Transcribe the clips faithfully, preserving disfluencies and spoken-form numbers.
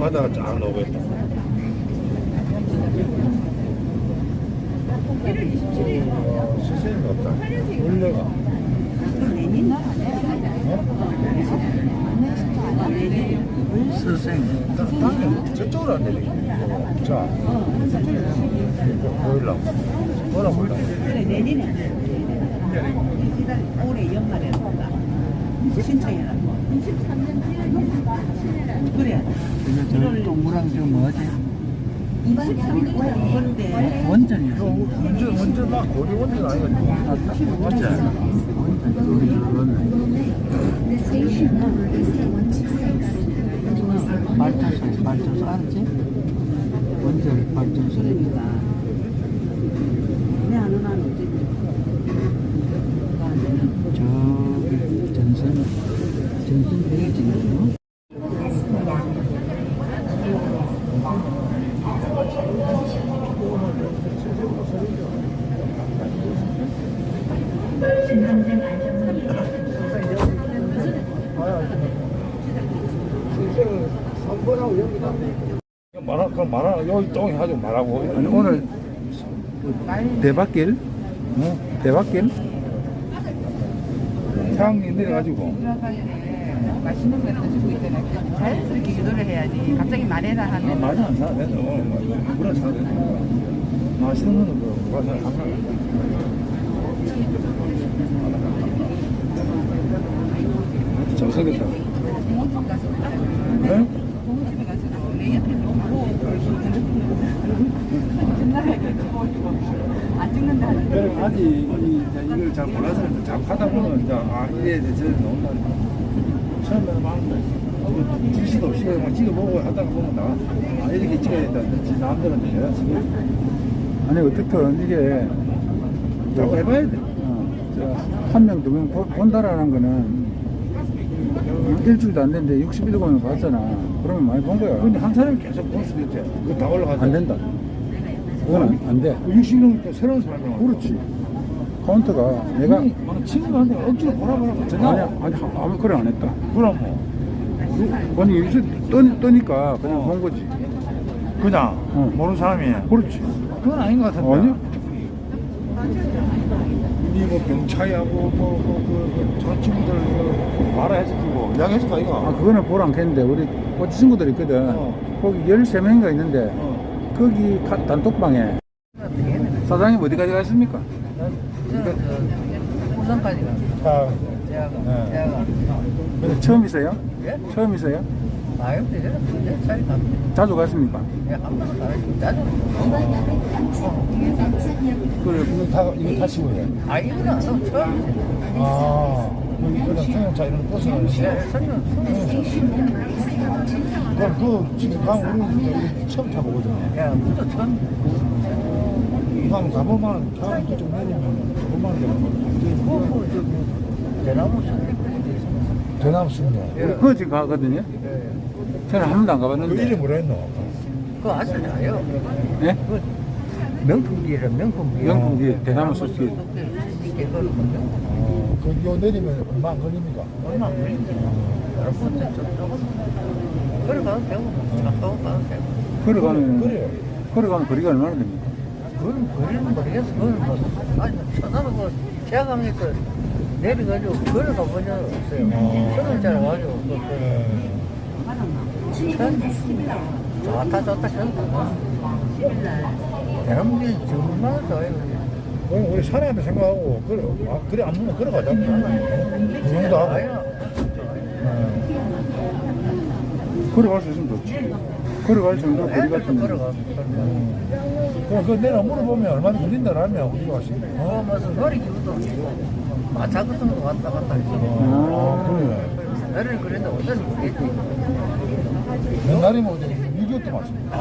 바다가 쫙 나오고 있다. 어, 선생님이 없다. 원래가. 선생. 땅에 저쪽으로 안 내리겠네. 자, 보일라고. 뭐라 몰라. 그래 내리네. 올해 연말에 온다. 신청해라. 그래. 저 동그란 저 뭐지? 근데 원전이야. 이거 원전, 원전 막 고리 원전 아니가 맞지? 발전소, 발전소 알지? 원전 발전소. 그러니까 내 아는 한 어디 저기 전선, 전선 베이징이요. 말아, 그럼 말아, 여기 똥이 하지 말라고. 아니, 오늘 대박길? 어? 대박길? 태양이 내려가지고. 맛있는 거 드시고 있잖아요. 자연스럽게 유도를 해야지. 갑자기 말해라 아, 하면 많이 안 사야 돼. 오늘 물안 사야 돼. 맛있는 거는 그, 과자 안 사. 잘 사겠다. 공원집 가서 네? 공원집에 가서도 내 옆에 놓고 전화하게 찍어주고 안 찍는다 하는데 그럼 아직 이, 이제 이걸 잘 몰라서 자꾸 하다 보면 이제 아 이래 이제 저래 나온다니까. 처음에는 막 주시도 없이 막 찍어보고 하다가 보면 나 아, 이렇게 찍어야 된다. 지 남들은 이제 내가 지금 아니, 어떻든 이게 자꾸 해봐야 돼. 어, 한 명, 두 명 본다라는 거는 일주일도 안 됐는데 육십일 권을 봤잖아. 그러면 많이 본 거야. 근데 한 사람이 계속 볼 수도 있대. 그거 다 올라가자. 안 된다. 그건 안, 안 돼. 육십 명이니까 새로운 사람이 와. 그렇지. 카운트가 내가 아니, 막 친구한테 억지로 보라 보라 전화. 아니, 아니 아무 그래 안 했다. 그럼 뭐 아니 여기서 떠, 떠니까 그냥 어. 본 거지. 그냥 어. 모르는 사람이. 그렇지. 그건 아닌 것 같은데. 아니야. 니뭐 병차이하고 뭐그저 친구들 그 말해주고 이야기해줄 거 이거. 아 그거는 보러 않겠는데 우리 꼬치 친구들 있거든. 어. 거기 열세 명인가 있는데 어. 거기 가- 단톡방에 사장님 어디까지 가십니까? 우선까지 가. 자, 제가 네. 제가 근데 처음이세요? 예? 처음이세요? 아유 되잖아. 내 차례 갑니다. 자주 갔습니까? 예, 한 번도 안 했고 짜증. 그래 이거 타 이거 타시고 해. 아 이거는 안 하고 처음이지. 아, 여기 그냥 승용차 이런 버스 가는 예, 거. 설명 그럼 그 지금 강 우리 우리 처음 타보거든요. 야, 그것도 처음. 강 가보면 강 그쪽 내리면 가보면 되는 거. 그거 저기 대나무 선택. 대나무 숲네. 예. 그거 지금 가거든요. 저는 한 번도 안 그 가봤는데. 이름이 뭐라 했노? 그거 아주 잘해요. 예? 그 명품기라 명품기. 명품기 대나무 숲이. 이게 그걸 먼저 어, 그요 내리면 얼마 안 걸립니까? 얼마 안 걸리지. 여러분들 좀 걸어가도 되고 차 타고 가도 되고. 걸어가면 그래요. 걸어가면 거리가 얼마나 됩니까? 그건 거리는 모르겠어. 그건 뭐 아니 쳐다보고 제가하니까 내려가지고 걸어가 본 적은 없어요. 저는 잘 와가지고 그, 그, 참 좋다 좋다 좋다. 대한민국이 정말 좋아요. 그럼 우리 사내한테 생각하고 그래 아, 그래 안 보면 걸어가자. 구경도 하고. 아야. 걸어갈 수 있으면 좋지. 걸어갈 정도 거리 애들도 같으면. 걸어가. 그럼 그 내가 물어보면 얼마나 걸린다라면 우리가 하시는 어, 거. 무슨 놀이기구도 마차 같은 거 왔다 갔다 했어. 아, 그래. 나를 그랬는데 어떤 모르겠지. 옛날이면 어디 미기였던 것 같습니다.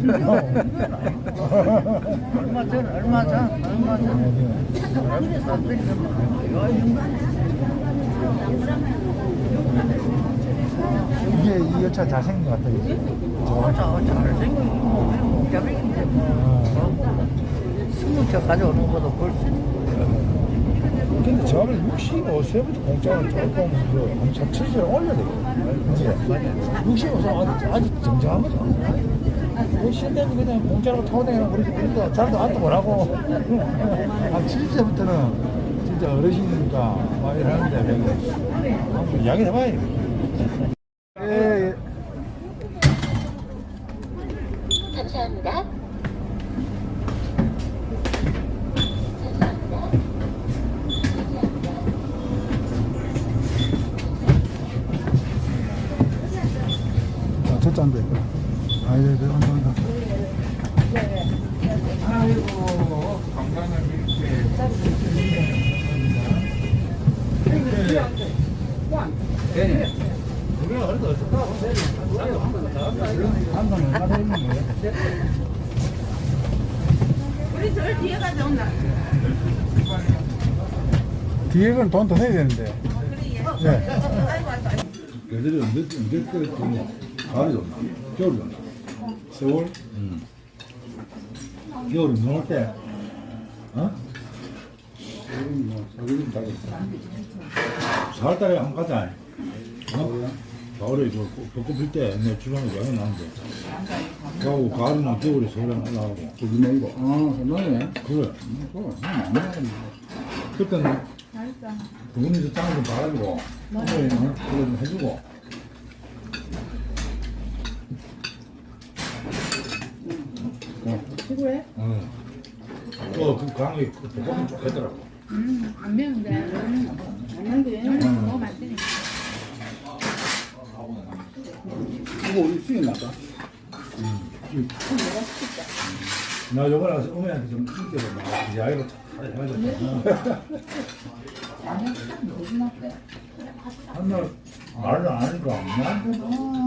얼마 전, 얼마 전, 얼마 전. 사람들이 사람들이 이게 이 여차 잘생긴 것 같다. 그지? 저, 저, 잘생긴 목자백인데 뭐. 스무 차 가져오는 것도 볼수 있어. 근데 저를 육십오 세부터 공짜로 조금 그 칠십 올려야 되거든. 육십오 세 아직, 아직 정정한 거죠. 그 시대는 그냥 공짜로 타고 다니는 우리 우리도 잘도 안도 못하고 한 칠십 세부터는 진짜 어르신이니까 막 이러는데 한번 이야기를 해봐야 돼. 예, 예. 감사합니다. 아, 첫째 안 돼. 아, 예, 네, 한다, 한다. 아이고, 건강을 이렇게. 네. 우리가 그래도 어떡하고, 한번 얼마나 있는 거예요? 우리 저 뒤에 가자 온나. 뒤에 건 돈 더 내야 되는데. 네. 아이고 아이고. 걔들이 언제, 언제 끓였더니 가을이 좋나? 겨울이 좋나? 세월? 응. 겨울이 넘을 때, 어? 겨울이 뭐, 사계절 다겠어. 사월달에 한 번 가자. 어? 가을에 저 벚꽃 필 때 내 주방에 여행 나는데. 그하고 가을이나 겨울에 서울에 올라가고. 거기네 이거. 아, 너네. 그래. 그거 많이 나가네. 그때는 부모님도 짱을 좀 봐가지고 어머니 그거 좀 해주고 피부에? 응. 또그 강이 그 볶음이 좋겠더라고. 음, 안 매운데. 음, 안 매운데. 음, 너무 맛있으니까. 이거 우리 수익 나다. 나 요번에 가서 어머니한테 좀 인기를 막 이야기를 잘 해가지고 한날 말을 안 하니까 나한테도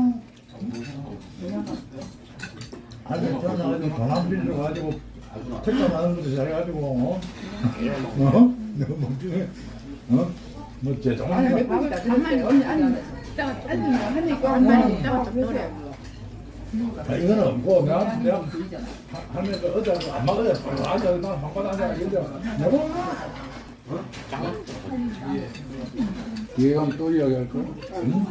아니 전화가지고 전화 빌려 가지고 택배 나는 것도 잘해가지고 어? 어? 내가 멍청해 어? 뭐제 정말 가만히 언니 앉아. 이따가 앉으면 하니까 가만히 있다가 좀 그래. 아, 이거는 없고 내가 내가 하면 그 어제 안 먹어야 앉아 나 방바닥 앉아 이런데 내가 뒤에 가면 또 이야기할 거야? 응?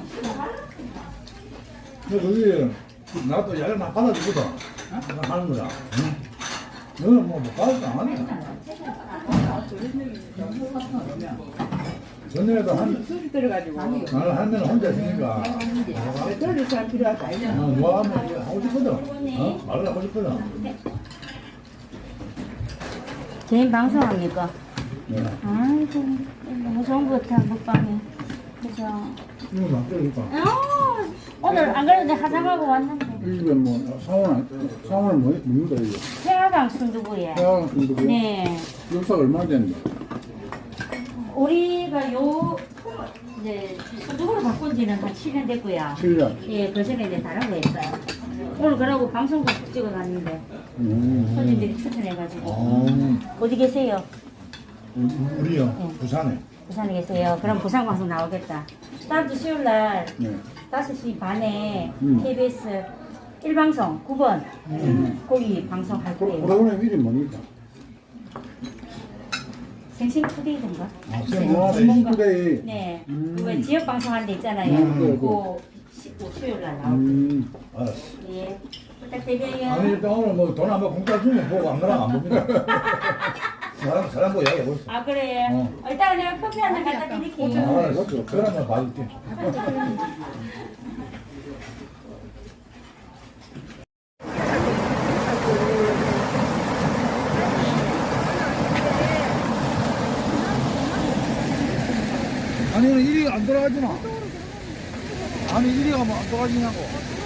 근데 거기 나도 야를 막 받아주거든 나 하는 거야 응? 너는 뭐못 받을 안 하네 전에도 한 술이 들어가지고. 나는 한 명은 혼자 있으니까 배터리 잘 필요하다. 어, 뭐 하면 이제 하고 싶거든 어? 말을 하고 싶거든 개인 방송합니까? 네. 아이고, 너무 좋은 것 같아, 먹방이. 그죠? 이거 놔둬야겠다 아, 오늘 안 그래도 화장하고 왔는데. 이 집에 뭐, 사원, 사원을 뭐, 뭡니까, 이거? 태화강 순두부에. 대학원 공부고 네. 역사가 얼마나 됐는데? 우리가 요, 이제, 순두부로 바꾼 지는 한 칠 년 됐고요. 칠 년. 예, 그 전에 이제 다른 거 했어요. 오늘 그러고 방송국 찍어 갔는데, 음. 손님들이 추천해가지고. 어. 어디 계세요? 우리요 네. 부산에 부산에 계세요. 그럼 부산 방송 나오겠다. 다음 주 수요일 날 네. 다섯 시 반에 음. 케이비에스 일 방송 구 번 거기 방송할 프로- 거예요. 프로그램 이름이 뭡니까? 생신 투데이인가? 아, 아, 생신투데이. 네. 음. 그거 지역 방송하는 데 있잖아요. 음, 그래, 그거 십오 수요일 날 나올 거예요. 음. 알았어 예. 부탁드려요. 아니 일단 오늘 뭐 돈 한번 공짜 주면 보고 안 그러면 안 봅니다 사람 사람 보고 이야기해 보세요 아 그래. 어. 어. 일단 내가 커피 하나 갖다 드릴게요. 알았어 그러면 봐줄게 아니 이리 안 돌아가지나? 아니 이리 가면 안 돌아가지냐고?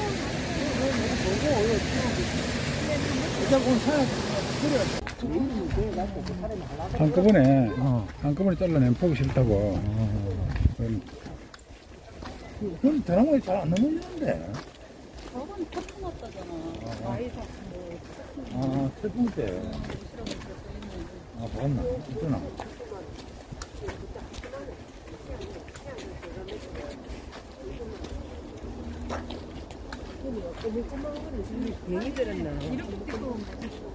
한꺼번에, 어. 한꺼번에 잘라내면 보기 싫다고. 그럼 그건 대나무에 잘 안 넘어지는데. 저건 태풍 왔다잖아. 아이가 아 태풍 때. 아 봤나? 있구나. 괜히 들었나. 이렇게 또